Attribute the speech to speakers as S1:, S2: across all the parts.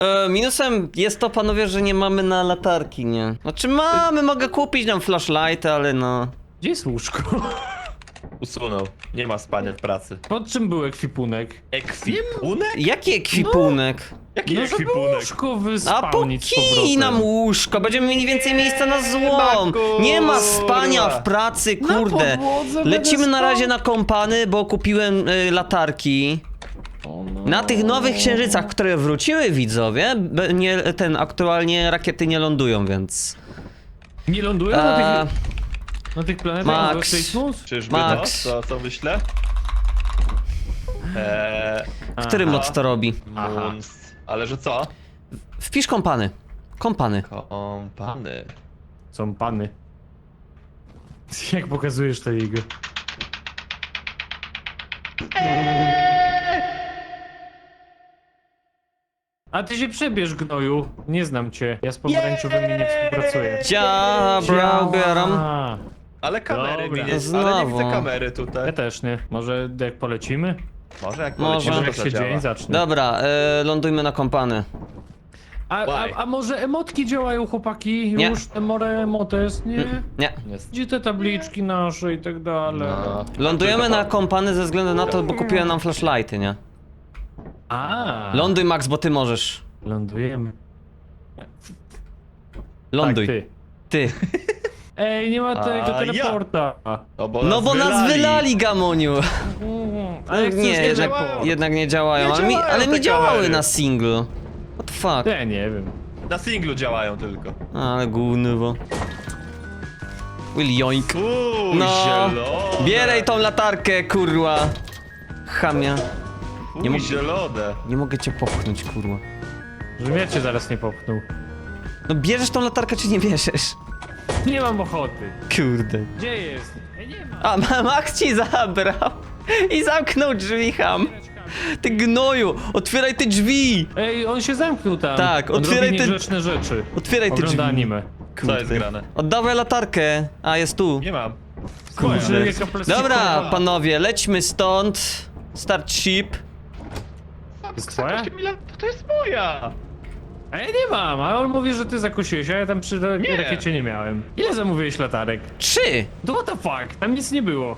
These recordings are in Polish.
S1: Minusem jest to, panowie, że nie mamy na latarki, nie? Znaczy mamy, mogę kupić nam flashlighty, ale no...
S2: Gdzie jest łóżko?
S3: Usunął. Nie ma spania w pracy.
S2: Pod czym był ekwipunek?
S3: Ekwipunek?
S1: Jaki ekwipunek?
S3: Jaki
S2: No, żeby
S3: ekwipunek?
S2: łóżko
S1: A po
S2: wyspałnić z
S1: kij
S2: powrotem.
S1: nam łóżko, będziemy mieli więcej miejsca na złom. Nie ma spania w pracy, kurde.
S2: podłodze
S1: Lecimy
S2: będę
S1: na
S2: spał?
S1: razie na kompany, bo kupiłem latarki.
S2: O no.
S1: Na tych nowych księżycach, które wróciły, widzowie, aktualnie rakiety nie lądują, więc...
S2: Nie lądują na tych planetach?
S1: Max.
S3: Czyżby
S1: Max.
S3: no? Co myślę?
S1: Który mod to robi?
S3: Moons. Ale że co?
S1: Wpisz kompany. Kompany.
S3: Kompany.
S2: Są pany. Jak pokazujesz to jego? A ty się przebierz, gnoju. Nie znam cię. Ja z pomarańczowymi nie współpracuję.
S1: Dobra, ubieram.
S2: A,
S3: Ale kamery
S2: Dobra.
S3: mi nie... Ale
S1: Znowu.
S3: nie widzę kamery
S2: ja
S3: tutaj.
S2: też nie. Może jak polecimy?
S3: Może jak
S1: Może.
S3: polecimy,
S2: Może
S3: to
S2: jak się
S3: zadziała.
S2: dzień zacznie.
S1: Dobra, lądujmy na kompany.
S2: A może emotki działają, chłopaki?
S1: Nie.
S2: Już emotes, nie?
S1: Nie.
S3: Jest.
S2: Gdzie te tabliczki nasze i tak dalej?
S3: No.
S1: Lądujemy
S3: Tylko
S1: na kompany ze względu na to, bo kupiłem nam flashlighty, nie?
S2: A,
S1: Ląduj, Max, bo ty możesz.
S2: lądujemy.
S1: Ląduj.
S2: Tak, ty.
S1: Ty.
S2: Ej, nie ma tego
S3: A,
S2: teleporta.
S1: No bo nas wylali, Gamoniu.
S2: Ale
S1: Nie, jednak nie działają,
S3: Nie
S1: ale mi
S3: działają te
S1: działały
S3: kamery.
S1: na singlu. What the fuck?
S2: Ja nie wiem.
S3: Na singlu działają tylko.
S1: Ale gówno. Will joink.
S3: No.
S1: No.
S3: Zielone.
S1: Bieraj tą latarkę, kurwa. Chamia.
S3: Nie
S1: nie
S3: mógł...
S1: mógł-
S3: zielone.
S1: Nie mogę cię popchnąć, kurwa.
S2: Żebym ja cię zaraz nie popchnął.
S1: No bierzesz tą latarkę, czy nie bierzesz?
S2: Nie mam ochoty.
S1: Kurde.
S2: Gdzie jest? Ej, nie ma.
S1: A Max ci zabrał. I zamknął drzwi, ham. Ty gnoju, otwieraj te drzwi.
S2: Ej, on się zamknął tam.
S1: Tak,
S2: on
S1: otwieraj
S2: robi
S1: te-
S2: niegrzeczne rzeczy.
S1: Otwieraj te
S2: Ogląda
S1: drzwi.
S2: anime.
S3: Co jest grane?
S1: Oddawaj latarkę. A, jest tu.
S3: Nie mam.
S2: Boże,
S3: Moja.
S2: jaka plastikowa.
S1: Dobra, panowie, lećmy stąd. Start ship.
S2: Jest twoja?
S3: To jest moja!
S2: A ja nie mam, a on mówi, że ty zakusiłeś, a ja tam przy rakiecie nie miałem. Ile zamówiłeś latarek?
S1: 3.
S2: To what the fuck? Tam nic nie było.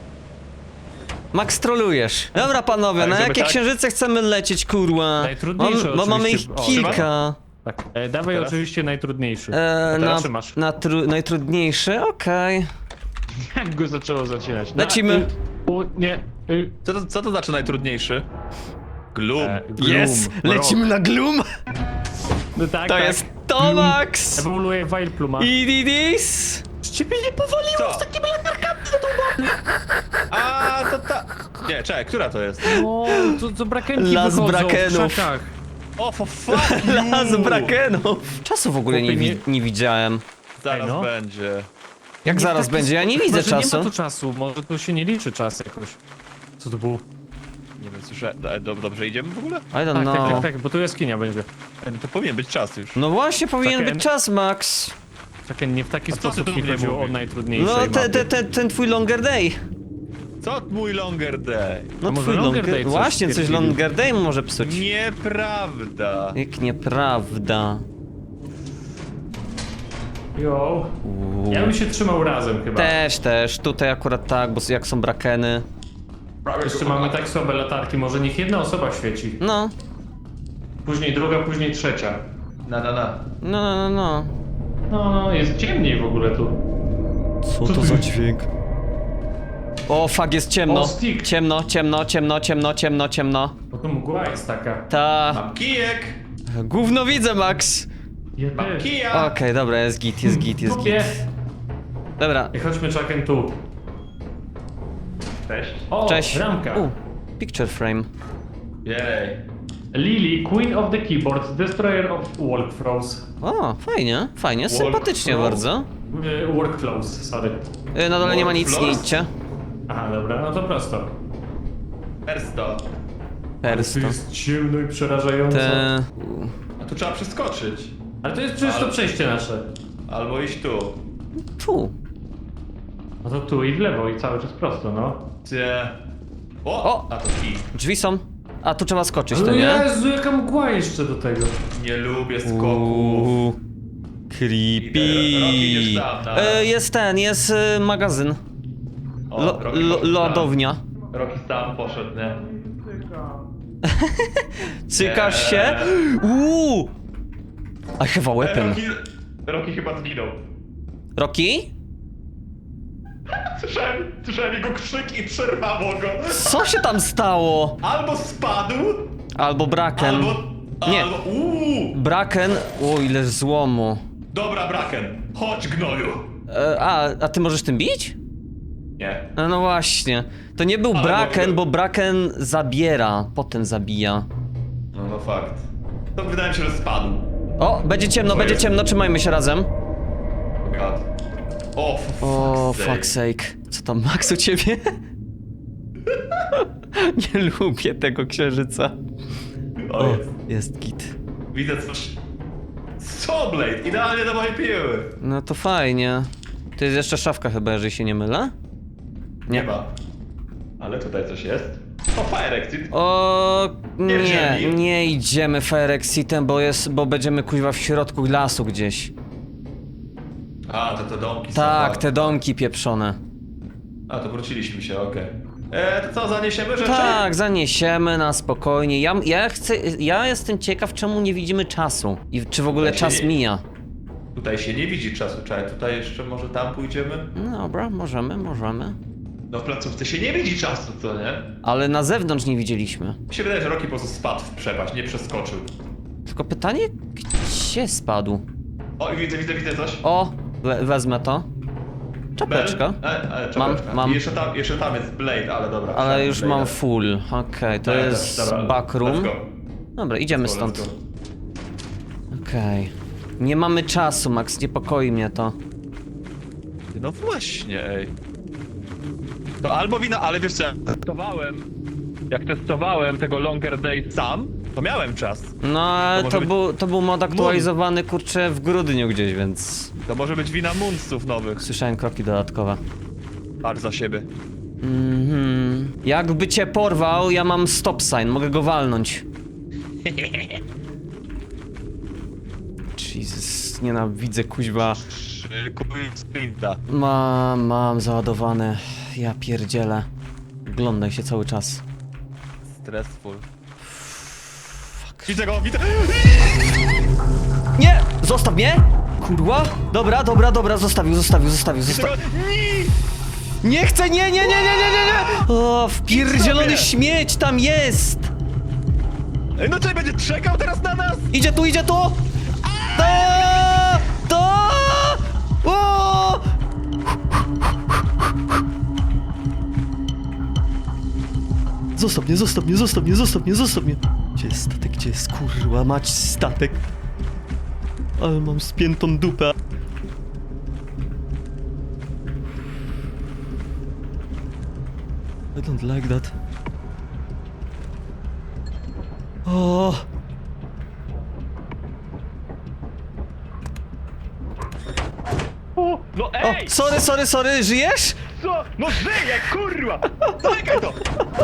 S1: Max, trolujesz. Dobra, panowie,
S3: Tak,
S1: na
S3: żeby
S1: jakie
S3: tak?
S1: księżyce chcemy lecieć, kurwa?
S2: Najtrudniejsze
S1: Bo mamy ich
S2: oczywiście. O,
S1: kilka.
S2: Tak. Dawaj
S3: Teraz?
S2: oczywiście najtrudniejszy.
S1: Na,
S2: teraz trzymasz.
S1: najtrudniejszy, okej.
S2: Jak go zaczęło zacinać?
S1: Lecimy.
S2: Nie.
S3: Co to znaczy najtrudniejszy? Gloom.
S1: Yes! Lecimy na Gloom!
S2: No tak,
S1: To
S2: tak.
S1: jest to, Max!
S2: Ewoluuje Wilepluma.
S1: Ididis!
S2: Z ciebie nie powaliło
S3: Co?
S2: z takimi latarkami zadłubany!
S3: A, to ta... Nie, czekaj, która to jest?
S2: O, to brakenki
S1: Las
S2: wychodzą
S1: brakenów.
S2: w krzakach.
S3: O, for fuck
S1: Las brakenów! Czasu w ogóle nie widziałem.
S3: Zaraz
S2: Ej, no.
S3: będzie.
S1: Jak zaraz będzie? Ja nie widzę
S2: Może
S1: czasu.
S2: nie ma tu czasu, może tu się nie liczy czas jakoś. Co to było?
S3: Nie wiem, słyszę... Dobrze idziemy w ogóle?
S1: I don't
S2: Tak, tak, tak,
S1: know.
S2: tak, bo tu jaskinia będzie.
S3: To powinien być czas już.
S1: No właśnie, powinien
S2: Takie-
S1: być czas, Max.
S2: Czekaj, nie w taki
S3: A co ty
S2: sposób
S3: tu
S2: mi
S3: mnie
S2: chodziło o
S3: mówisz?
S2: najtrudniejszej
S1: No,
S2: mapie.
S1: ten twój longer day.
S3: Co mój longer day?
S1: No
S2: A może
S1: twój
S2: longer day coś
S1: Właśnie, coś
S2: stwierdzili?
S1: longer day może psuć.
S3: Nieprawda.
S1: Jak nieprawda.
S2: Jo.
S1: Uuu.
S2: Ja bym się trzymał razem chyba.
S1: Też. Tutaj akurat tak, bo jak są brakeny.
S2: Jeszcze mamy tak słabe latarki, może niech jedna osoba świeci.
S1: No.
S2: Później druga, później trzecia.
S1: No.
S2: No, jest ciemniej w ogóle tu.
S1: Co to za dźwięk? O, fuck, jest ciemno.
S2: O, stick.
S1: Ciemno.
S2: Bo tu mgła jest taka.
S1: Ta.
S3: Mam kijek!
S1: Gówno widzę, Max.
S2: Ja
S3: Mam
S2: też.
S3: kija!
S1: Okej, dobra, jest git.
S2: Kupię.
S1: Dobra,
S2: I chodźmy czakiem tu.
S3: Cześć.
S2: O,
S1: cześć.
S2: ramka.
S1: Picture frame.
S3: Jej.
S2: Lily, Queen of the Keyboards, Destroyer of Workflows.
S1: O, fajnie, sympatycznie
S3: Workflow?
S1: bardzo.
S2: Workflows, sorry.
S1: Na dole nie ma nic, nie
S3: Workflows?
S1: idźcie.
S2: Aha, dobra, no to prosto.
S3: Ersto.
S2: To
S1: Persto.
S2: jest ciemno i przerażająco.
S1: Te...
S3: A tu trzeba przeskoczyć.
S2: Ale to jest przecież to przejście nasze.
S3: Albo iść tu.
S1: Tu.
S2: No to tu i w lewo i cały czas prosto, no.
S3: Gdzie...
S1: O!
S3: A to kij.
S1: Drzwi są. A tu trzeba skoczyć, to nie?
S2: Jezu, jaka mgła jeszcze do tego.
S3: Nie lubię skoków.
S1: Uuu, creepy.
S3: Rocky, idziesz tam, tak?
S1: Jest magazyn.
S3: O, Rocky poszedł tam.
S1: Lodownia.
S3: Rocky tam poszedł, nie?
S1: Cykasz się? Uuu! I have a weapon.
S3: Rocky chyba zginął.
S1: Rocky?
S3: Słyszałem jego krzyk i przerwało go.
S1: Co się tam stało?
S3: Albo spadł,
S1: Albo Braken. Nie.
S3: Albo...
S1: Braken. O, ile złomu.
S3: Dobra, Braken, chodź gnoju.
S1: A ty możesz tym bić?
S3: Nie.
S1: No właśnie. To nie był
S3: Ale
S1: Braken,
S3: mogę.
S1: bo Braken zabiera, potem zabija.
S3: No fakt. To wydaje mi się, że spadł.
S1: O, będzie ciemno,
S3: Co
S1: będzie
S3: jest?
S1: ciemno, trzymajmy się razem.
S3: God. O,
S1: O,
S3: fuck's
S1: fuck sake. Co tam, Max, u ciebie? Nie lubię tego księżyca.
S3: O, jest.
S1: Jest git.
S3: Widzę coś. Soulblade, idealnie do mojej piły.
S1: No to fajnie. To jest jeszcze szafka chyba, jeżeli się nie mylę?
S3: Nie ma. Ale tutaj coś jest. O, Fire Exit.
S1: O, nie,
S3: Pierdzieli.
S1: nie idziemy Fire Exitem, bo będziemy kuźwa w środku lasu gdzieś.
S3: A, to te domki są.
S1: Tak, te domki pieprzone.
S3: A, to wróciliśmy się, okej. To co, zaniesiemy rzeczy?
S1: Tak, zaniesiemy na spokojnie. Ja jestem ciekaw, czemu nie widzimy czasu. I czy w ogóle
S3: Tutaj się
S1: czas
S3: nie-
S1: mija.
S3: Tutaj się nie widzi czasu, czekaj, tutaj jeszcze może tam pójdziemy?
S1: No dobra, możemy.
S3: No w placówce się nie widzi czasu, co nie?
S1: Ale na zewnątrz nie widzieliśmy.
S3: Mi się wydaje, że Rocky po prostu spadł w przepaść, nie przeskoczył.
S1: Tylko pytanie, gdzie spadł?
S3: O, i widzę coś.
S1: O, wezmę to. Czapeczka.
S3: Czapeczka.
S1: Mam.
S3: I jeszcze tam jest Blade, ale dobra.
S1: Ale
S3: wsiadłem
S1: już
S3: Blade'a.
S1: mam full. Okej, to
S3: Ja
S1: jest
S3: też, dobra,
S1: backroom.
S3: let's go.
S1: Dobra, idziemy
S3: Let's
S1: stąd.
S3: go.
S1: Okej. Nie mamy czasu, Max, niepokoi mnie to.
S3: No właśnie, ej. To albo wina, ale wiesz co, jak testowałem tego Longer Day sam, to miałem czas.
S1: No, ale
S3: To może
S1: to był mod aktualizowany, kurczę, w grudniu gdzieś, więc...
S3: To może być wina Moonsów nowych.
S1: Słyszałem kroki dodatkowe.
S3: Patrz za siebie.
S1: Jakby cię porwał, ja mam stop sign, mogę go walnąć. Jesus, nienawidzę kuźwa.
S3: Kupuj sprinta.
S1: Mam załadowane. Ja pierdzielę. Oglądaj się cały czas.
S3: Stressful. Widzę go, widzę.
S1: Nie! Zostaw mnie! Kurwa! Dobra, zostawił.
S3: Widzę go.
S1: Nie chcę, nie! O, wpierdzielony
S3: Idź sobie.
S1: śmieć tam jest!
S3: Ej, no czy będzie czekał teraz na nas?
S1: Idzie tu! To! O! Zostaw mnie! Gdzie jest statek? Gdzie jest kurwa mać statek? Ale mam spiętą dupę. I don't like that. O!
S3: No
S1: O,
S3: ej!
S1: sorry, żyjesz?
S3: Co? No żyję, kurwa! Zamykaj to!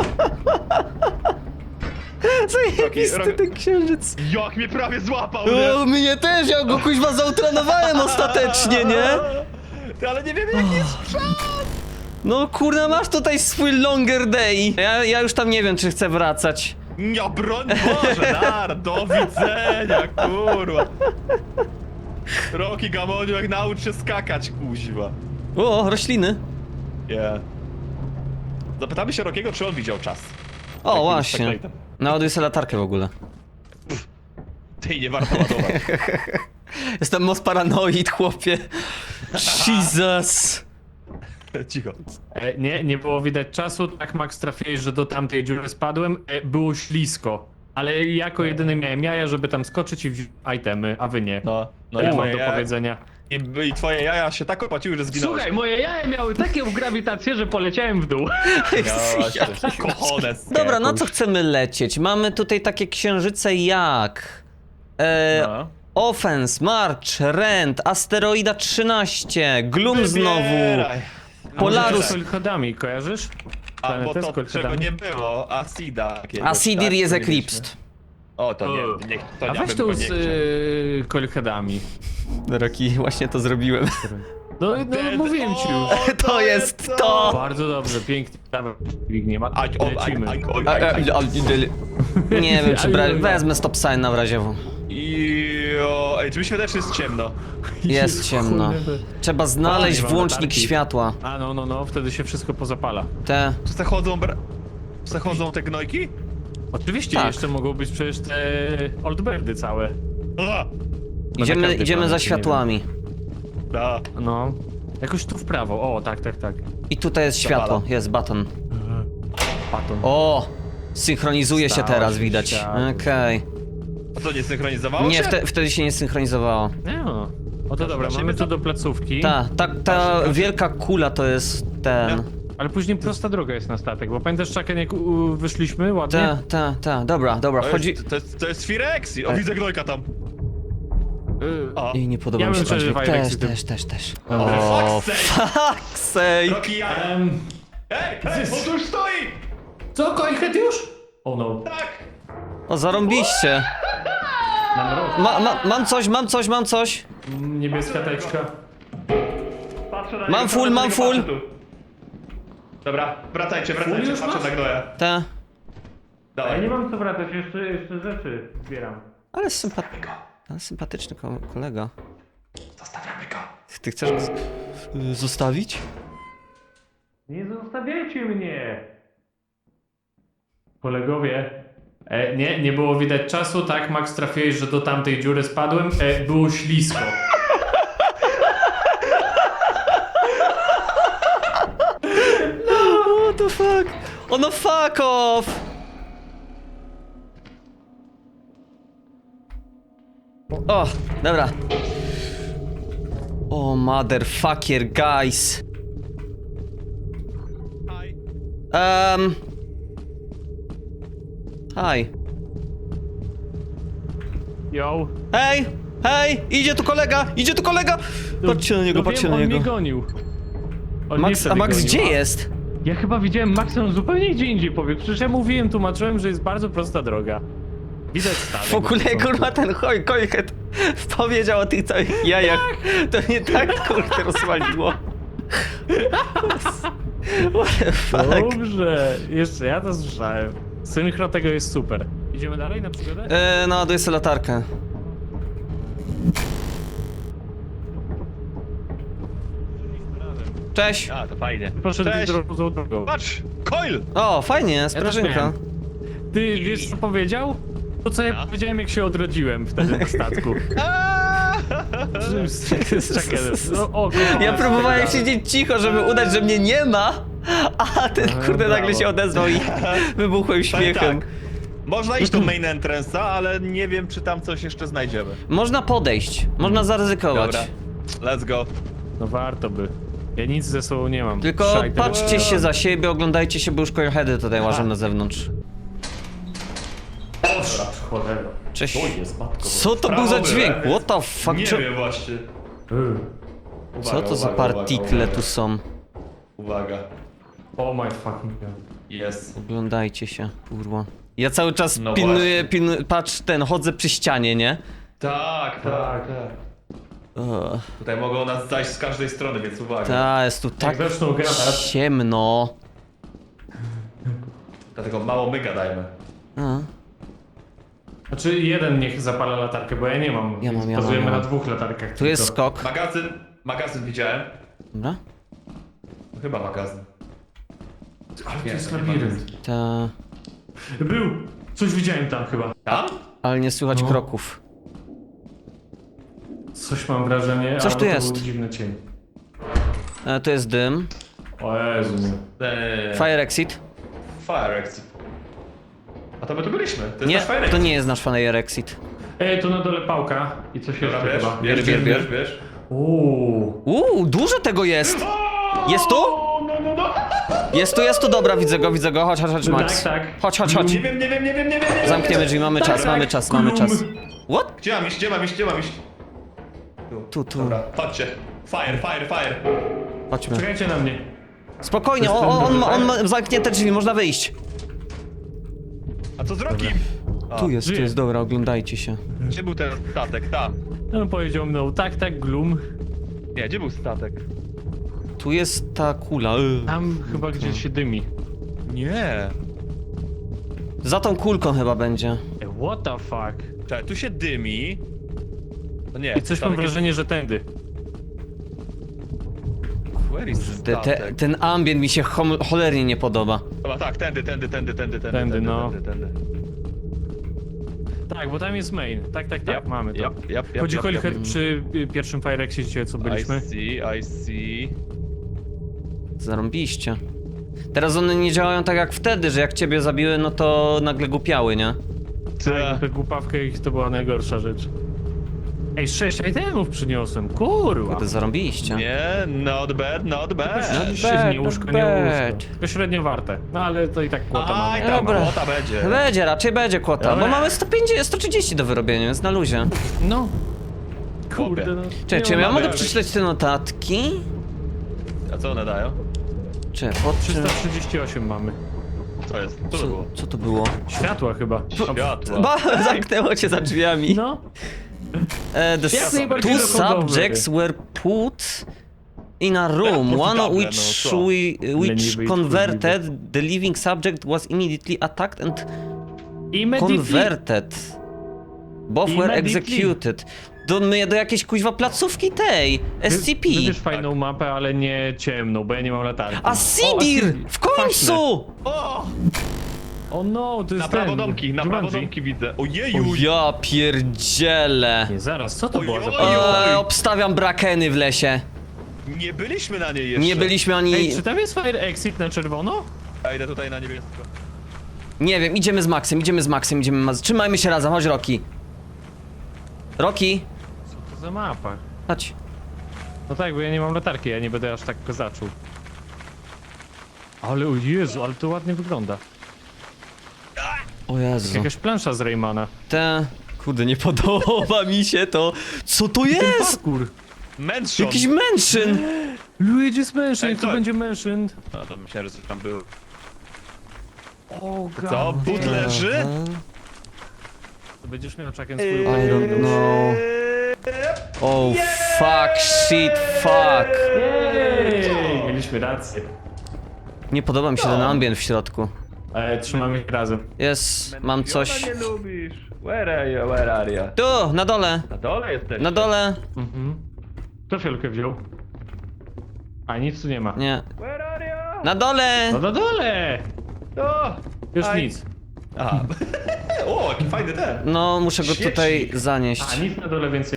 S1: Zajebisty
S3: Rocky-
S1: ten księżyc.
S3: Jak mnie prawie złapał, nie?
S1: O, mnie też, ja go kuźwa zautranowałem ostatecznie, nie?
S3: Ty, ale nie wiemy jaki jest czas!
S1: No kurna, masz tutaj swój longer day. Ja już tam nie wiem, czy chcę wracać.
S3: Ja broń Boże, do widzenia, kurwa! Rocky Gamoniu, jak naucz się skakać, kuźwa.
S1: O, rośliny.
S3: Yeah. Zapytamy się Rockiego, czy on widział czas.
S1: O,
S3: Jak
S1: właśnie.
S3: był z Backlightem.
S1: Naładuj sobie latarkę w ogóle.
S3: Ty, nie warto ładować.
S1: Jestem most paranoid, chłopie. Jesus.
S3: Cicho.
S2: Nie było widać czasu, tak Max trafiłeś, że do tamtej dziury spadłem, było ślisko. Ale jako jedyny miałem jaja, żeby tam skoczyć i wziąć itemy, a wy nie.
S3: No
S2: To ja mam
S3: twoje
S2: do
S3: jaja-
S2: powiedzenia.
S3: I twoje jaja się tak opłaciły, że zginąłeś.
S2: Słuchaj, moje jaja miały taką grawitację, że poleciałem w dół.
S3: Kochones.
S1: Dobra, na co chcemy lecieć? Mamy tutaj takie księżyce jak...
S3: No.
S1: Offense, March, Rent, Asteroida 13, Gloom znowu.
S3: Wybieraj.
S1: Polarus.
S2: Z chodami, kojarzysz?
S3: Albo
S2: planetę z
S3: to, czego
S2: kolchetami.
S3: nie było, Acida jakiegoś,
S4: Acidir
S3: tak,
S4: jest
S3: co mieliśmy.
S4: eclipsed.
S3: O, to nie, to
S2: A
S3: ja
S2: weź
S3: bym
S2: tu
S3: go
S2: z
S3: nie chciał.
S2: kolchedami.
S4: Roki, właśnie to zrobiłem.
S2: No mówiłem ci już.
S4: To jest to!
S2: Bardzo dobrze, pięknie. Dawaj, nie ma. Lecimy.
S4: Nie wiem, czy wezmę stop sign na razie.
S3: Jo, ej, czy mi się wydaje, że jest ciemno?
S4: Jest ciemno.
S2: Kurde.
S4: Trzeba znaleźć
S2: nie mam
S4: włącznik
S2: latarki.
S4: światła.
S2: A no, wtedy się wszystko pozapala.
S4: Te.
S3: Czy zachodzą te gnojki?
S2: Oczywiście
S4: Tak.
S2: jeszcze mogą być przecież te oldbirdy całe.
S3: A,
S4: Idziemy,
S2: każdej
S4: idziemy za
S2: planecie,
S4: światłami.
S3: da.
S2: No. Jakoś tu w prawo, o tak.
S4: I tutaj jest światło,
S3: Zapala.
S4: jest button.
S2: Paton.
S4: O! Synchronizuje się
S2: Stało
S4: teraz,
S2: się
S4: widać.
S2: światło.
S4: Okej.
S3: A to nie synchronizowało
S4: Nie,
S3: się?
S4: wtedy się nie synchronizowało.
S2: Nie no. O to dobra,
S3: Zobaczymy
S2: mamy
S3: to.
S2: tu do placówki.
S4: Ta wielka kula to jest ten.
S2: Ale później prosta droga jest na statek, bo pamiętasz, Chucken, jak wyszliśmy ładnie?
S4: Dobra, chodzi.
S3: To jest Firexi. O, widzę gnojka tam. O.
S4: I nie podoba
S2: Ja
S4: mi się
S2: bym
S4: ten dźwięk.
S2: przeżywał
S4: Też.
S3: Dobra.
S4: O,
S3: Fuck's sake.
S4: fuck's sake.
S3: Rocky, ja. Ej, on tu już stoi!
S2: Co, Coilhead już? O no.
S3: Tak!
S4: O, zarąbiście.
S2: Mam rok.
S4: Mam coś.
S2: Niebieska teczka.
S3: Patrzę na
S4: Mam
S3: niego,
S4: full,
S3: patrzę na
S4: mam
S3: niego,
S4: full.
S3: patrzę tu. Dobra, wracajcie,
S2: już
S3: patrzę
S2: masz?
S3: na gnoja.
S4: Te.
S2: Ja
S3: Dawaj.
S2: nie mam co wracać, jeszcze rzeczy zbieram.
S4: Ale sympatyczny kolega.
S3: Zostawiamy go.
S4: Ty chcesz go zostawić?
S2: Nie zostawiajcie mnie! Kolegowie. Nie było widać czasu, tak? Max, trafiłeś, że do tamtej dziury spadłem. Było ślisko.
S4: What the fuck? Oh no, fuck off! O, dobra. O, motherfucker, guys.
S3: Hi.
S4: Hi.
S2: Yo.
S4: Hej, idzie tu kolega! Patrzcie na niego,
S2: No
S4: patrzcie
S2: wiem,
S4: na
S2: on mnie
S4: niego.
S2: gonił. On mnie
S4: Max,
S2: wtedy
S4: a Max
S2: gonił,
S4: gdzie jest?
S2: Ja chyba widziałem Maxa, on zupełnie gdzie indziej pobiegł. Przecież ja mówiłem, tłumaczyłem, że jest bardzo prosta droga. Widać statek.
S4: W ogóle,
S2: po prostu.
S4: kurwa, ten Coilhead powiedział o tych całych jajach. To nie tak, kurde, rozwaliło. What the fuck?
S2: Dobrze, jeszcze ja to słyszałem. Synchro tego jest super. Idziemy dalej na przygodę?
S4: Naładuję sobie latarkę. Cześć.
S3: A, to fajnie.
S2: Poszedł
S3: Cześć.
S2: drogą.
S3: Patrz! Coil!
S4: O, fajnie,
S2: też
S4: sprężynka.
S2: miałem. Ty wiesz co powiedział? To co ja powiedziałem, jak się odrodziłem wtedy na statku. Z Chuckenem. No, o, kurwa,
S4: Ja próbowałem
S2: tak dalej.
S4: siedzieć cicho, żeby udać, że mnie nie ma, a ten kurde nagle
S2: brawo.
S4: się odezwał i wybuchłem śmiechem.
S3: Tak. Można iść do main entrance'a, ale nie wiem, czy tam coś jeszcze znajdziemy.
S4: Można podejść, można zaryzykować.
S3: Dobra, let's go.
S2: No warto by. Ja nic ze sobą nie mam.
S4: Tylko
S2: Szajter.
S4: patrzcie się za siebie, oglądajcie się, bo już Coilheady tutaj łażą na zewnątrz.
S2: Dobra, cholera.
S4: Cześć.
S2: To jest matko.
S4: Co to był
S3: Prawo
S4: za
S3: byłem.
S4: dźwięk? What the fuck?
S3: Nie
S4: Czy-
S3: wiem właśnie.
S4: Co to za partikle tu są?
S3: Uwaga.
S2: Oh my fucking god.
S3: Jest.
S4: Oglądajcie się, kurwa. Ja cały czas
S3: No
S4: pilnuję, patrz, chodzę przy ścianie, nie?
S3: Tak. Tutaj mogą nas zajść z każdej strony, więc uwaga.
S4: Ta, jest tu tak
S2: Jak zaczną gadać.
S4: ciemno.
S3: Dlatego mało my gadajmy.
S4: A.
S2: Znaczy jeden niech zapala latarkę, bo ja nie mam.
S4: Ja mam,
S2: Bazujemy
S4: ja mam.
S2: na 2 latarkach.
S4: Tu jest
S2: tylko.
S4: skok.
S3: Magazyn widziałem.
S4: Dobra.
S3: No, chyba magazyn.
S2: Ale to
S3: Nie,
S2: jest
S3: to nie
S2: labirynt.
S4: Ta.
S2: Był! Coś widziałem tam chyba.
S3: Tam?
S4: Ale nie słychać
S2: No.
S4: kroków.
S2: Coś mam wrażenie,
S4: Coś
S2: albo
S4: tu
S2: to
S4: jest.
S2: był dziwny cień.
S4: To jest dym.
S2: O Jezu.
S4: Fire exit.
S3: Fire exit. A to my tu byliśmy. To jest
S4: Nie,
S3: nasz fire
S4: to
S3: exit.
S4: nie jest nasz fire exit.
S2: Tu na dole pałka i coś
S3: Dobra,
S2: jeszcze
S3: bierz,
S2: chyba.
S3: bierz.
S4: Dużo tego jest! Jest tu? Jest tu, dobra, widzę go, chodź, Max.
S2: Tak.
S4: Chodź.
S3: Nie wiem.
S4: Zamkniemy drzwi, mamy czas. What?
S3: Gdzie mam iść?
S4: Tu.
S3: Dobra, chodźcie. Fire.
S4: Chodźmy.
S2: Czekajcie na mnie.
S4: Spokojnie,
S2: To jest ten duży,
S4: on
S2: tak?
S4: ma zamknięte drzwi, można wyjść.
S3: A co z Rokim? A,
S4: Tu jest,
S2: żyje.
S4: dobra, oglądajcie się.
S3: Gdzie był ten statek? Tam.
S2: No powiedział mną, tak, Gloom.
S3: Nie, gdzie był statek?
S4: Tu jest ta kula.
S2: Tam chyba gdzieś się dymi.
S3: Nie.
S4: Za tą kulką chyba będzie.
S2: What the fuck?
S3: Czekaj, tu się dymi. No nie,
S2: I coś mam
S3: statek jest-
S2: wrażenie, że tędy.
S3: Where is statek?
S4: Ten ambient mi się cholernie nie podoba.
S3: Chyba tak, tędy.
S2: Tędy, no.
S3: Tędy.
S2: Tak, bo tam jest main. Tak,
S3: Yep,
S2: mamy to.
S3: yep,
S2: Chodzi o
S3: yep.
S2: przy pierwszym Fire Exicie, co byliśmy.
S3: I see.
S4: Zarąbiście. Teraz one nie działają tak jak wtedy, że jak ciebie zabiły, no to nagle głupiały, nie?
S2: Tak, tę głupawkę ich to była najgorsza rzecz. Ej, 6 itemów przyniosłem, kurwa!
S4: Kurde, zarąbiście.
S3: Nie, not bad.
S2: Średnie
S4: not
S2: łóżko,
S4: bad.
S2: nie łóżko. To średnio warte. No ale to i tak kłota
S3: Aj,
S2: mamy.
S3: tam
S4: Dobra.
S3: kłota będzie.
S4: Będzie, raczej będzie kłota, bo
S2: Dobra.
S4: mamy 150, 130 do wyrobienia, więc na luzie.
S2: No. Kurde, no.
S4: Czekaj, czy
S2: Nie
S4: ja
S2: mamy,
S4: mogę
S2: ale
S4: przeczytać te notatki?
S3: A co one dają?
S4: Czy pod czym?
S2: 338 mamy.
S3: Co jest? Co to było?
S4: Co to było?
S2: Światła chyba.
S3: Światła.
S4: Ba, zamknęło cię za drzwiami.
S2: No.
S4: The
S2: Jak najbardziej
S4: two
S2: dochodowy.
S4: subjects were put in a room,
S3: Jak
S4: one of
S3: profitable,
S4: which,
S3: no co?
S4: which
S2: Leniwy i
S4: converted, the living subject was immediately attacked and converted. Both were
S2: Immediately.
S4: executed. Do jakiejś kuźwa placówki tej, SCP.
S2: Wybierz fajną mapę, ale nie ciemną, bo ja nie mam latarki.
S4: A Sidir! W końcu!
S3: O!
S2: O no, to jest
S3: Na prawo
S2: ten.
S3: domki, na prawo
S2: Jumanji.
S3: domki widzę.
S4: O
S3: Ojeju!
S4: ja pierdzielę.
S2: Nie, zaraz, co to
S3: Oj,
S2: była za
S3: oj,
S2: pamiątka?
S3: oj.
S4: Obstawiam brakeny w lesie.
S3: Nie byliśmy na niej jeszcze.
S4: Nie byliśmy ani...
S2: Ej, czy tam jest fire exit na czerwono?
S3: Ja idę tutaj na niebiesko.
S4: Nie wiem, idziemy z Maxem. Trzymajmy się razem, chodź Roki. Roki,
S2: Co to za mapa?
S4: chodź.
S2: No tak, bo ja nie mam latarki, ja nie będę aż tak kozaczył. Ale o Jezu, ale to ładnie wygląda.
S4: O Jezu.
S2: Jakaś plansza z Raymana.
S4: Kurde, nie podoba mi się to. Co to jest?
S2: Parkour.
S3: Mansion!
S4: Jakiś mężczyzn.
S2: Luigi's Mansion,
S3: Ej,
S2: to
S3: co?
S2: będzie Mansion.
S3: No to myślałem, że coś tam było.
S2: O
S3: Co? But leży?
S2: To będziesz miał czakiem
S4: I
S2: swój
S4: don't know. Oh fuck, shit, fuck.
S2: Jej, mieliśmy rację.
S4: Nie podoba mi się ten ambient w środku.
S2: Ale trzymamy ich razem.
S4: Jest, mam coś.
S3: Nie lubisz. Where are you?
S4: Tu, na dole.
S3: Na dole jesteś.
S4: Na dole.
S2: Mhm. Kto fiolkę wziął? A nic tu nie ma.
S4: Nie.
S3: Where are you?
S4: Na dole.
S2: No na dole!
S3: O!
S2: Już
S3: Aj.
S2: nic.
S3: Aha. O, jaki fajny ten.
S4: No, muszę go tutaj
S3: Świecznik.
S4: zanieść.
S2: A nic na dole więcej.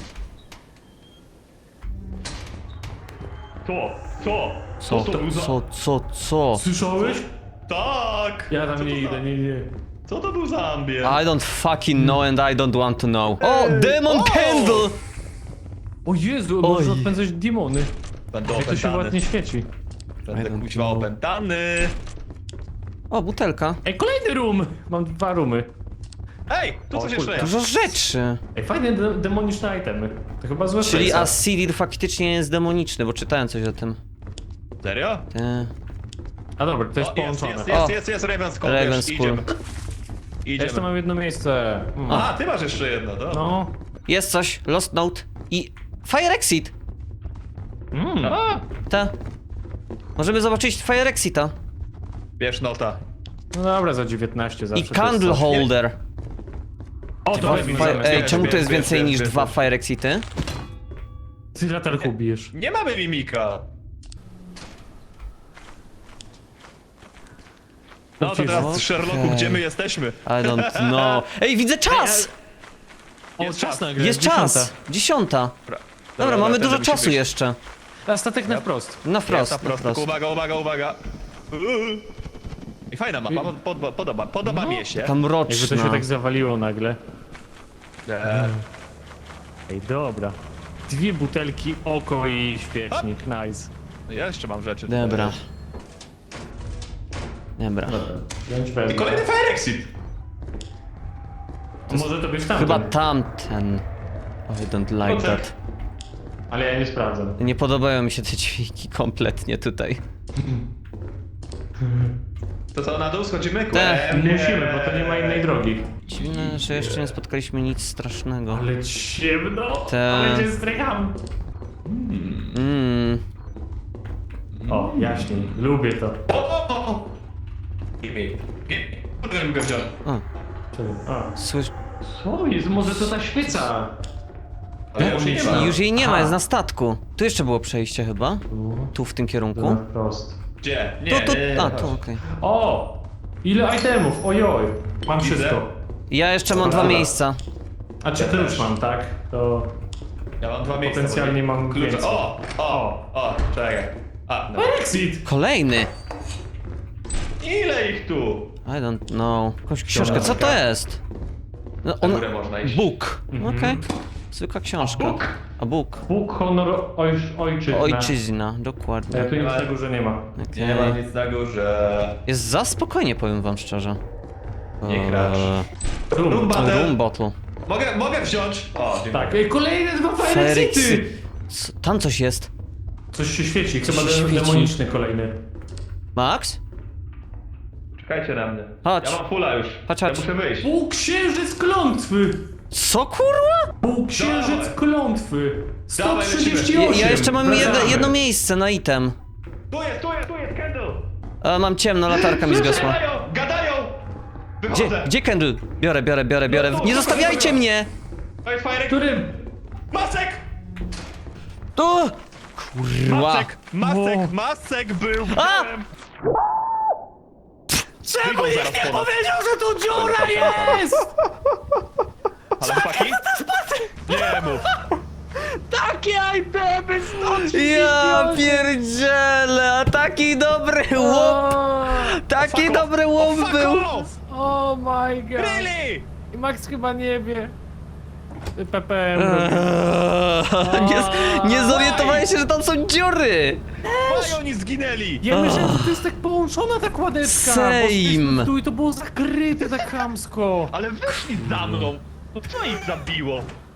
S3: Co to był za...
S4: Co?
S2: Słyszałeś?
S3: Tak!
S2: Ja
S3: Co
S2: tam nie
S3: to za-
S2: idę, nie.
S3: Co to był za ambient?
S4: I don't fucking know and I don't want to know. O, Demon Candle!
S2: O Jezu,
S4: Oj.
S2: można odpędzać demony.
S3: Będę
S2: Jak to się ładnie świeci.
S3: Będę
S4: I don't
S3: kuźwa
S4: know.
S3: opętany.
S4: O, butelka.
S2: Ej, kolejny room! Mam 2 roomy.
S3: Ej, tu
S2: O,
S3: coś
S2: kurde.
S3: jeszcze jest.
S4: Dużo rzeczy.
S2: Ej, fajne demoniczne itemy. To chyba złe
S4: Czyli
S2: serca.
S4: Asidir faktycznie jest demoniczny, bo czytałem coś o tym.
S3: Serio?
S2: A dobra, to jest
S3: O,
S2: połączone.
S3: jest Ravenskull.
S4: Ravenskull.
S3: Idziemy.
S2: Ja jeszcze
S3: Idziemy.
S2: mam jedno miejsce.
S3: A, ty masz jeszcze jedno, to?
S2: No.
S4: Jest coś, Lost Note i Fire Exit.
S3: A,
S4: Ta. Możemy zobaczyć Fire Exita.
S3: bierz nota.
S2: No dobra, za 19 zawsze.
S4: I
S2: to jest
S4: Candle
S2: coś.
S4: Holder.
S2: O, to weźmy zamiast.
S4: Ej,
S3: bierz,
S4: czemu
S3: bierz,
S4: to jest
S3: bierz,
S4: więcej
S3: bierz,
S4: niż
S3: bierz,
S4: 2
S3: bierz.
S4: Fire Exity?
S2: Ty latarką bijesz.
S3: Nie mamy mimika. No to teraz Sherlocku, gdzie my jesteśmy?
S4: I don't know. Ej, widzę czas!
S2: O,
S3: Jest
S2: czas
S3: czas.
S2: nagle.
S4: Jest czas! 10. Dobra, mamy
S3: tędy
S4: dużo
S3: musi
S4: czasu
S3: być.
S4: jeszcze.
S2: A statek na wprost.
S4: Na
S3: Jest
S4: wprost,
S3: na
S4: na
S3: prosto.
S4: wprost.
S3: Uwaga. I fajna mapa, podoba mi się.
S4: Taka
S2: Jakby to
S4: mroczna.
S2: się tak zawaliło nagle.
S3: E,
S2: Ej, dobra. 2 butelki, oko i świecznik. Nice.
S3: Ja jeszcze mam rzeczy.
S4: Dobra. Dobra.
S3: I kolejny Fire Exit.
S2: Może to być tamten.
S4: Chyba tamten. Oh, I don't like
S3: Potem.
S4: that.
S2: Ale ja nie sprawdzam.
S4: Nie podobają mi się te dźwigni kompletnie tutaj.
S3: To co, na dół schodzimy?
S4: Tak.
S2: Musimy, bo to nie ma innej drogi.
S4: Dziwne, że jeszcze nie spotkaliśmy nic strasznego.
S2: Ale ciemno!
S4: Tak.
S2: Ale cię strycham! O, jaśniej. Lubię to.
S3: Gimme. Kurde, bym go wziął.
S4: O,
S2: A.
S4: słysz...
S2: Co jest? Może to ta świeca?
S3: Ale już jej nie ma.
S4: Już jej nie ma,
S2: Aha.
S4: jest na statku. Tu jeszcze było przejście chyba? Tu w tym kierunku?
S2: Prost.
S3: Gdzie? Nie,
S4: Tu, tu,
S3: nie,
S4: a
S3: chodź.
S4: tu, okej.
S2: O! Ile itemów? Ojoj. Mam
S3: Widzę.
S2: wszystko.
S4: Ja jeszcze mam dwa
S2: Dobra.
S4: miejsca.
S2: A czy klucz mam, tak? To...
S3: Ja mam 2 miejsca.
S2: Potencjalnie mam
S3: klucze.
S2: więcej.
S3: O, czekaj. A, no.
S2: Exit!
S4: Kolejny!
S3: Ile ich tu?
S4: I don't know. Jakąś książkę, co to jest? No,
S3: Na górę można iść.
S4: Book. Okej. Zwykła książka.
S3: Book?
S4: A book.
S2: Bóg, honor, ojczyzna.
S4: Ojczyzna, dokładnie.
S2: Tu nic na górze nie ma.
S4: Okej.
S3: Nie ma nic na górze.
S4: Jest za spokojnie, powiem wam szczerze.
S3: Nie gracz.
S2: Room.
S3: Room battle.
S4: Room bottle.
S3: Mogę wziąć? O, dziękuję.
S2: Tak, kolejne dwa fire
S4: Feryksy.
S2: exity!
S4: Tam coś jest.
S2: Coś się świeci, chyba
S4: się świeci.
S2: demoniczny kolejny.
S4: Max?
S3: Czekajcie na mnie.
S4: Chodź.
S3: Ja mam fulla już.
S4: Chodź,
S3: Ja
S4: chodź.
S3: muszę wyjść.
S2: Półksiężyc klątwy!
S4: Co kurwa?
S2: Półksiężyc
S3: Dawaj.
S2: klątwy!
S3: Dawaj,
S2: 138!
S4: Ja jeszcze mam
S2: Wracamy.
S4: jedno miejsce na item.
S3: Tu jest, Kendall!
S4: Mam ciemno, latarka mi zgasła.
S3: Gadają!
S4: Gdzie,
S3: Wychodzę!
S4: gdzie Kendall? Biorę.
S3: No tu,
S4: Nie
S3: tu,
S4: zostawiajcie
S3: tu.
S4: mnie!
S3: To jest fajny.
S2: Którym?
S3: Masek!
S4: Tu! Kurwa.
S3: Masek był!
S4: A!
S3: byłem.
S2: Czemu
S3: Wyjdą
S2: nikt
S3: zaraz
S2: nie
S3: po nas.
S2: powiedział, że tu dziura jest?
S3: Ale chłopaki? Nie mów!
S2: Takie itemy stąd
S4: Ja pierdzielę, a taki dobry łop! Taki dobry łop
S3: Fuck
S4: był!
S3: off!
S2: Oh my god.
S3: Really?
S2: I Max chyba nie wie. PPM robi.
S4: Nie zorientowałem się, że tam są dziury!
S3: Why oni zginęli?
S2: Ja myślałem, że to jest tak połączona ta kładeczka.
S4: Same.
S2: Bo szliśmy tu i to było zakryte tak chamsko.
S3: Ale wyszli za mną! No co ich zabiło?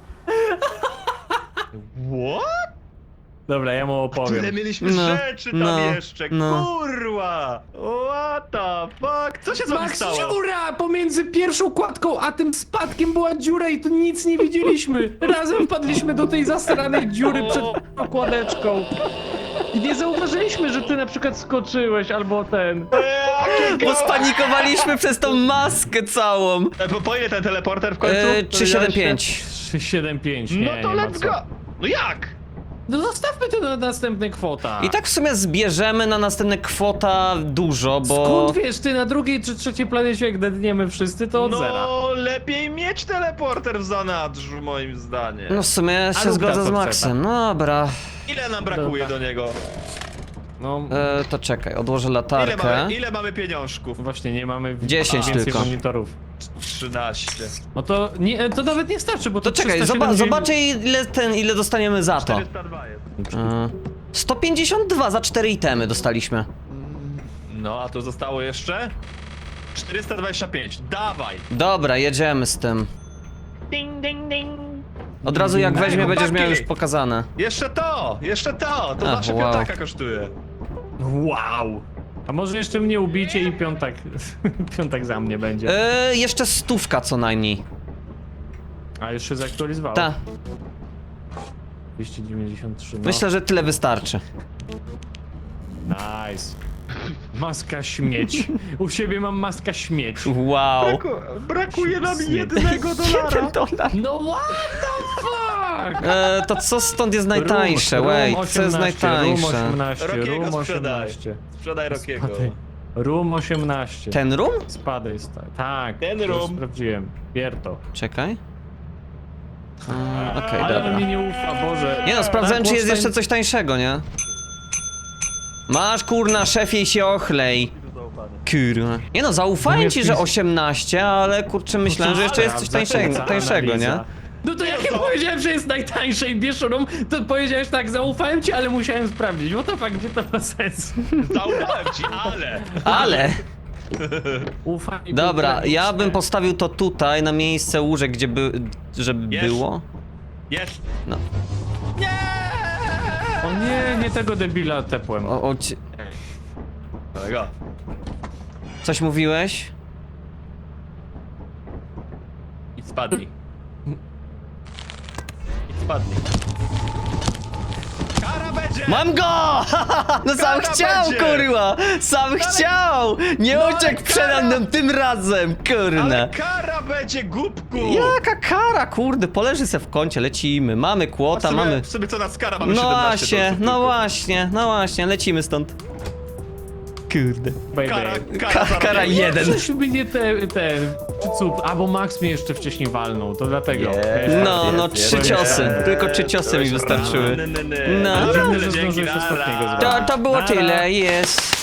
S3: What?
S2: Dobra, ja mu
S3: Tyle
S2: opowiem.
S3: mieliśmy
S4: No,
S3: rzeczy tam
S4: no,
S3: jeszcze,
S4: no.
S3: kurwa! What the fuck? Co się z wami
S2: Max,
S3: stało?
S2: dziura! Pomiędzy pierwszą kładką a tym spadkiem była dziura i tu nic nie widzieliśmy. Razem wpadliśmy do tej zasranej dziury przed tą kładeczką. I nie zauważyliśmy, że ty na przykład skoczyłeś albo ten.
S4: Bo spanikowaliśmy przez tą maskę całą!
S3: Po ile ten teleporter w końcu?
S4: 375.
S2: 375.
S3: No
S2: Nie,
S3: to
S2: nie ma
S3: let's
S2: co.
S3: go! No jak?
S2: No zostawmy to na następne kwota.
S4: I tak w sumie zbierzemy na następne kwota dużo, bo...
S2: Skąd wiesz, ty na drugiej czy trzeciej planecie, jak dedniemy wszyscy, to od zera.
S3: No lepiej mieć teleporter w zanadrzu, moim zdaniem.
S4: No w sumie się
S2: lub
S4: zgodzę
S2: ta
S4: z
S2: co
S4: Maxem. No dobra.
S3: Ile nam brakuje
S2: Dobra.
S3: do niego?
S2: No
S4: To czekaj, odłożę
S3: Ile
S4: latarkę.
S3: mamy pieniążków?
S2: właśnie nie mamy
S4: 10
S2: więcej
S4: tylko.
S2: monitorów.
S3: 13.
S2: No to nie, to nawet nie starczy, bo
S4: To
S2: to
S4: czekaj,
S2: 370
S4: zobaczę ile dostaniemy za to.
S3: 402 jest.
S4: 152 za 4 itemy dostaliśmy.
S3: No, a to zostało jeszcze? 425. Dawaj!
S4: Dobra, jedziemy z tym.
S3: Ding, ding, ding.
S4: Od razu jak weźmie,
S3: chłopaki!
S4: będziesz miał już pokazane.
S3: Jeszcze to! Jeszcze to! To
S4: Ach,
S3: zawsze
S4: wow.
S3: piątaka kosztuje.
S2: Wow! A może jeszcze mnie ubicie i piątek, piątek za mnie będzie.
S4: Jeszcze 100 co najmniej.
S2: A już się zaktualizowało.
S4: Ta,
S2: 293, no.
S4: myślę, że tyle wystarczy.
S2: Nice. Maska śmieć. U siebie mam maska śmieć.
S4: Wow.
S3: Brakuje nam
S2: Nie.
S3: jednego dolara.
S4: $1.
S2: No what the fuck?
S4: To co stąd jest najtańsze? Wait, co jest najtańsze?
S2: Room 18,
S3: Rockiego
S2: room
S3: sprzedaj.
S2: 18.
S3: Sprzedaj Rockiego.
S2: Spadaj. Room 18.
S4: Ten room?
S2: Spadaj, tak.
S3: Ten
S2: już
S3: room.
S2: sprawdziłem. Bier to.
S4: Czekaj. Okej,
S2: Ale
S4: dobra.
S2: mi nie ufa, Boże.
S4: Nie no, sprawdzałem czy jest
S2: Wolfenstein-
S4: jeszcze coś tańszego, nie? Masz kurna, szefie się ochlej. Kurwa. Nie no, zaufałem ci, że 18, ale kurczę myślałem, że jeszcze jest coś tańszego, nie?
S2: No to jak ja powiedziałem, że jest najtańsze i bierz room, to powiedziałeś tak, zaufałem ci, ale musiałem sprawdzić. What the fuck, gdzie to ma sens?
S3: Zaufałem ci, ale...
S4: Ale!
S2: Ufam i
S4: Dobra,
S2: był
S4: ja
S2: tragiczny.
S4: bym postawił to tutaj, na miejsce łóżek, żeby
S3: Jest.
S4: było.
S3: Jest.
S4: No.
S3: Nie!
S2: O nie, nie tego debila tepłem.
S3: Kolego.
S4: Coś mówiłeś?
S3: I spadnij. I spadnij. Kara będzie!
S4: Mam go! No sam
S3: Kara
S4: chciał,
S3: będzie!
S4: kurwa! Sam chciał! Nie
S3: ale
S4: uciekł przede
S3: kara!
S4: mną tym razem, kurna!
S3: Ale kara będzie, głupku!
S4: Jaka kara, kurde, poleży se w kącie, lecimy, mamy kłota, mamy...
S3: W sobie co nas kara, mamy
S4: No
S3: 17
S4: właśnie,
S3: dolców
S4: no
S3: tylko.
S4: właśnie, no właśnie, lecimy stąd. Kurde.
S2: Baby.
S4: Kara
S3: zarobienia.
S4: jeden.
S2: Przecież mnie ten cup, albo Max mnie jeszcze wcześniej walnął, to dlatego.
S4: No, 3 ciosy, tylko 3 ciosy mi wystarczyły. No.
S3: Dobra,
S2: Że
S3: tyle dzięki,
S2: zdążyłeś ostatniego
S3: nara.
S2: zrobić.
S4: To było
S2: Nara.
S4: tyle, jest.